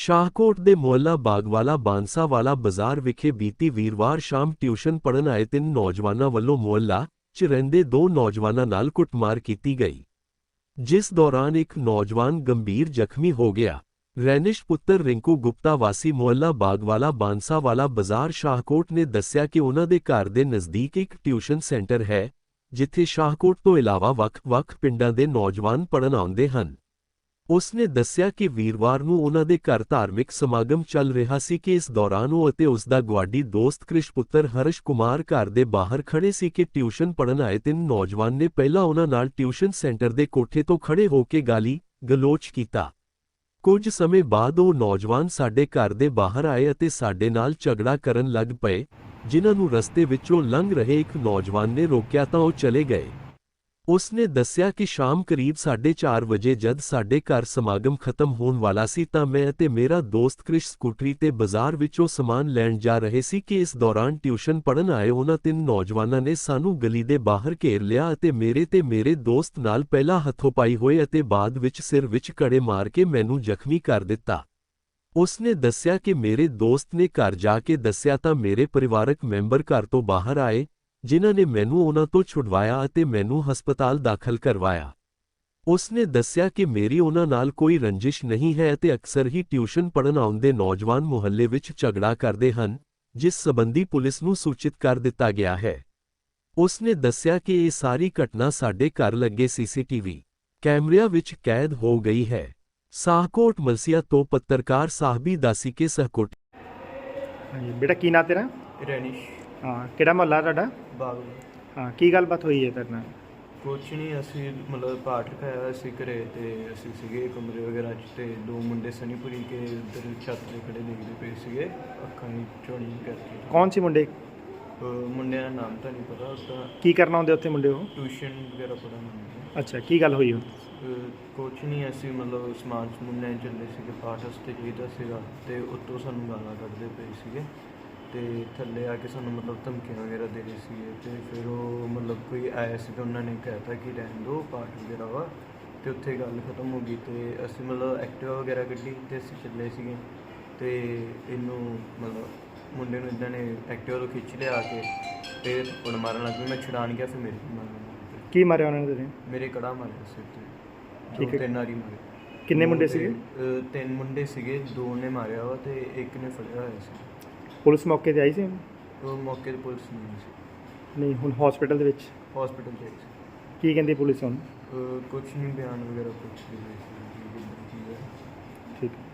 ਸ਼ਾਹਕੋਟ ਦੇ ਮੁਹੱਲਾ ਬਾਗਵਾਲਾ ਬਾਂਸਾਵਾਲਾ ਬਾਜ਼ਾਰ ਵਿਖੇ ਬੀਤੀ ਵੀਰਵਾਰ ਸ਼ਾਮ ਟਿਊਸ਼ਨ ਪੜ੍ਹਨ ਆਏ 3 ਨੌਜਵਾਨਾਂ ਵੱਲੋਂ ਮੁਹੱਲਾ 'ਚ ਰਹਿੰਦੇ 2 ਨੌਜਵਾਨਾਂ ਨਾਲ ਕੁੱਟਮਾਰ ਕੀਤੀ ਗਈ, ਜਿਸ ਦੌਰਾਨ ਇੱਕ ਨੌਜਵਾਨ ਗੰਭੀਰ ਜ਼ਖਮੀ ਹੋ ਗਿਆ। ਰੈਨਿਸ਼ ਪੁੱਤਰ ਰਿੰਕੂ ਗੁਪਤਾ ਵਾਸੀ ਮੁਹੱਲਾ ਬਾਗਵਾਲਾ ਬਾਂਸਾਵਾਲਾ ਬਾਜ਼ਾਰ ਸ਼ਾਹਕੋਟ ਨੇ ਦੱਸਿਆ ਕਿ ਉਨ੍ਹਾਂ ਦੇ ਘਰ ਦੇ ਨਜ਼ਦੀਕ ਇੱਕ ਟਿਊਸ਼ਨ ਸੈਂਟਰ ਹੈ, ਜਿੱਥੇ ਸ਼ਾਹਕੋਟ ਤੋਂ ਇਲਾਵਾ ਵੱਖ-ਵੱਖ ਪਿੰਡਾਂ ਦੇ ਨੌਜਵਾਨ ਪੜ੍ਹਨ ਆਉਂਦੇ ਹਨ। ਉਸ ਨੇ ਦੱਸਿਆ ਕਿ ਵੀਰਵਾਰ ਨੂੰ ਉਨ੍ਹਾਂ ਦੇ ਘਰ ਧਾਰਮਿਕ ਸਮਾਗਮ ਚੱਲ ਰਿਹਾ ਸੀ ਕਿ ਇਸ ਦੌਰਾਨ ਉਹ ਅਤੇ ਉਸ ਦਾ ਗੁਆਂਢੀ ਦੋਸਤ ਕ੍ਰਿਸ਼ ਪੁੱਤਰ ਹਰਸ਼ ਕੁਮਾਰ ਘਰ ਦੇ ਬਾਹਰ ਖੜੇ ਸੀ ਕਿ ਟਿਊਸ਼ਨ ਪੜ੍ਹਨ ਆਏ 3 ਨੌਜਵਾਨ ਨੇ ਪਹਿਲਾਂ ਉਨ੍ਹਾਂ ਨਾਲ ਟਿਊਸ਼ਨ ਸੈਂਟਰ ਦੇ ਕੋਠੇ ਤੋਂ ਖੜੇ ਹੋ ਕੇ ਗਾਲੀ-ਗਲੋਚ ਕੀਤਾ। ਕੁਝ ਸਮੇਂ ਬਾਅਦ ਉਹ ਨੌਜਵਾਨ ਸਾਡੇ ਘਰ ਦੇ ਬਾਹਰ ਆਏ ਅਤੇ ਸਾਡੇ ਨਾਲ ਝਗੜਾ ਕਰਨ ਲੱਗ ਪਏ, ਜਿਨ੍ਹਾਂ ਨੂੰ ਰਸਤੇ ਵਿੱਚੋਂ ਲੰਘ ਰਹੇ ਇੱਕ ਨੌਜਵਾਨ ਨੇ ਰੋਕਿਆ ਤਾਂ ਉਹ ਚਲੇ ਗਏ। ਉਸ ਨੇ ਦੱਸਿਆ ਕਿ ਸ਼ਾਮ ਕਰੀਬ 4:30 ਵਜੇ ਜਦ ਸਾਡੇ ਘਰ ਸਮਾਗਮ ਖਤਮ ਹੋਣ ਵਾਲਾ ਸੀ ਤਾਂ ਮੈਂ ਅਤੇ ਮੇਰਾ ਦੋਸਤ ਕ੍ਰਿਸ਼ ਸਕੂਟਰੀ ਤੇ ਬਾਜ਼ਾਰ ਵਿੱਚੋਂ ਸਮਾਨ ਲੈਣ ਜਾ ਰਹੇ ਸੀ ਕਿ ਇਸ ਦੌਰਾਨ ਟਿਊਸ਼ਨ ਪੜ੍ਹਨ ਆਏ ਉਹਨਾਂ 3 ਨੌਜਵਾਨਾਂ ਨੇ ਸਾਨੂੰ ਗਲੀ ਦੇ ਬਾਹਰ ਘੇਰ ਲਿਆ ਅਤੇ ਮੇਰੇ ਤੇ ਮੇਰੇ ਦੋਸਤ ਨਾਲ ਪਹਿਲਾਂ ਹੱਥੋਂ-ਪਾਈ ਹੋਏ ਅਤੇ ਬਾਅਦ ਵਿੱਚ ਸਿਰ ਵਿੱਚ ਕੜੇ ਮਾਰ ਕੇ ਮੈਨੂੰ ਜ਼ਖਮੀ ਕਰ ਦਿੱਤਾ। ਉਸ ਨੇ ਦੱਸਿਆ ਕਿ ਮੇਰੇ ਦੋਸਤ ਨੇ ਘਰ ਜਾ ਕੇ ਦੱਸਿਆ ਤਾਂ ਮੇਰੇ ਪਰਿਵਾਰਕ ਮੈਂਬਰ ਘਰ ਤੋਂ ਬਾਹਰ ਆਏ, ਜਿਨ੍ਹਾਂ ਨੇ ਮੈਨੂੰ ਉਨ੍ਹਾਂ ਤੋਂ ਛੁਡਵਾਇਆ ਅਤੇ ਮੈਨੂੰ ਹਸਪਤਾਲ ਦਾਖਲ ਕਰਵਾਇਆ। ਉਸ ਨੇ ਦੱਸਿਆ ਕਿ ਮੇਰੀ ਉਨ੍ਹਾਂ ਨਾਲ ਕੋਈ ਰੰਜਿਸ਼ ਨਹੀਂ ਹੈ ਅਤੇ ਅਕਸਰ ਹੀ ਟਿਊਸ਼ਨ ਪੜ੍ਹਨ ਆਉਂਦੇ ਨੌਜਵਾਨ ਮੁਹੱਲੇ ਵਿੱਚ ਝਗੜਾ ਕਰਦੇ ਹਨ, ਜਿਸ ਸੰਬੰਧੀ ਪੁਲਿਸ ਨੂੰ ਸੂਚਿਤ ਕਰ ਦਿੱਤਾ ਗਿਆ ਹੈ। ਉਸ ਨੇ ਦੱਸਿਆ ਕਿ ਇਹ ਸਾਰੀ ਘਟਨਾ ਸਾਡੇ ਘਰ ਲੱਗੇ ਸੀਸੀਟੀਵੀ ਕੈਮਰਿਆਂ ਵਿੱਚ ਕੈਦ ਹੋ ਗਈ ਹੈ। ਸ਼ਾਹਕੋਟ ਮਲਸੀਆ ਤੋਂ ਪੱਤਰਕਾਰ ਸਾਹਿਬੀ ਦਾਸੀ ਕੇ ਸਹਕੋਟ। ਹਾਂਜੀ ਬੇਟਾ, ਕੀ ਨਾਂ ਤੇਰਾ? ਰੈਨਿਸ਼। ਹਾਂ, ਕਿਹੜਾ ਮੁਹੱਲਾ ਤੁਹਾਡਾ? ਬਾਗ। ਹਾਂ, ਕੀ ਗੱਲਬਾਤ ਹੋਈ ਹੈ ਤੇਰੇ ਨਾਲ? ਕੁਛ ਨਹੀਂ, ਅਸੀਂ ਮਤਲਬ ਪਾਠ ਰਖਾਇਆ ਸੀ ਘਰੇ ਤੇ ਅਸੀਂ ਸੀਗੇ ਕਮਰੇ ਵਗੈਰਾ 'ਚ ਤੇ 2 ਮੁੰਡੇ ਸਨੀਪੁਰੀ ਕੇ ਉੱਧਰ ਛੱਤ 'ਤੇ ਖੜੇ ਦੇਖਦੇ ਪਏ ਸੀਗੇ, ਅੱਖਾਂ ਦੀ ਝੋਣੀ ਕਰਕੇ। ਕੌਣ ਸੀ ਮੁੰਡੇ? ਮੁੰਡਿਆਂ ਦਾ ਨਾਮ ਤਾਂ ਨਹੀਂ ਪਤਾ, ਤਾਂ ਕੀ ਕਰਨ ਆਉਂਦੇ ਉੱਥੇ ਮੁੰਡੇ ਉਹ? ਟਿਊਸ਼ਨ ਵਗੈਰਾ ਪੜ੍ਹਨ। ਅੱਛਾ, ਕੀ ਗੱਲ ਹੋਈ ਉਹ? ਕੁਛ ਨਹੀਂ, ਅਸੀਂ ਮਤਲਬ ਸਮਾਨ ਸਮੂਨ ਲੈਣ ਚੱਲੇ ਸੀਗੇ, ਪਾਠ ਵਾਸਤੇ ਚਾਹੀਦਾ ਸੀਗਾ ਤੇ ਉੱਤੋਂ ਸਾਨੂੰ ਗਾਲਾਂ ਕੱਢਦੇ ਪਏ ਸੀਗੇ ਤੇ ਥੱਲੇ ਆ ਕੇ ਸਾਨੂੰ ਮਤਲਬ ਧਮਕੀਆਂ ਵਗੈਰਾ ਦੇ ਰਹੇ ਸੀਗੇ ਤੇ ਫਿਰ ਉਹ ਮਤਲਬ ਕੋਈ ਆਇਆ ਸੀ ਤਾਂ ਉਹਨਾਂ ਨੇ ਕਹਿਤਾ ਕਿ ਰਹਿਣ ਦਿਓ ਪਾਠ ਵਗੈਰਾ ਵਾ, ਤੇ ਉੱਥੇ ਗੱਲ ਖਤਮ ਹੋ ਗਈ ਤੇ ਅਸੀਂ ਮਤਲਬ ਐਕਟਿਵਾ ਵਗੈਰਾ ਕੱਢੀ ਤੇ ਅਸੀਂ ਚੱਲੇ ਸੀਗੇ ਤੇ ਇਹਨੂੰ ਮਤਲਬ ਮੁੰਡੇ ਨੂੰ ਇੱਦਾਂ ਨੇ ਐਕਟਿਵਾ ਤੋਂ ਖਿੱਚ ਲਿਆ ਕੇ ਤੇ ਥੱਪੜ ਮਾਰਨ ਲੱਗ ਪਈ। ਮੈਂ ਛੁਡਾਣ ਗਿਆ, ਫਿਰ ਮੇਰੇ ਮਾਰਨ ਲੱਗ ਪਏ। ਕੀ ਮਾਰਿਆ ਉਹਨਾਂ ਨੇ ਤੇਰੇ? ਮੇਰੇ ਕੜਾ ਮਾਰਿਆ ਸਿਰ ਤੇ, ਠੀਕ ਹੈ। 3 ਵਾਰੀ ਮਾਰੇ। ਕਿੰਨੇ ਮੁੰਡੇ ਸੀਗੇ? 3 ਮੁੰਡੇ ਸੀਗੇ, 2 ਨੇ ਮਾਰਿਆ ਵਾ ਤੇ ਇੱਕ ਨੇ ਫੜਿਆ ਹੋਇਆ ਸੀ। ਪੁਲਿਸ ਮੌਕੇ ਤੇ ਆਈ ਸੀ? ਉਹ ਮੌਕੇ 'ਤੇ ਪੁਲਿਸ ਨਹੀਂ ਸੀ। ਨਹੀਂ, ਹੁਣ ਹਸਪੀਟਲ ਦੇ ਵਿੱਚ? ਹਸਪੀਟਲ 'ਚ ਸੀ। ਕੀ ਕਹਿੰਦੀ ਪੁਲਿਸ ਹੁਣ? ਕੁਛ ਨਹੀਂ, ਬਿਆਨ ਵਗੈਰਾ ਕੁਛ ਨਹੀਂ। ਠੀਕ ਹੈ।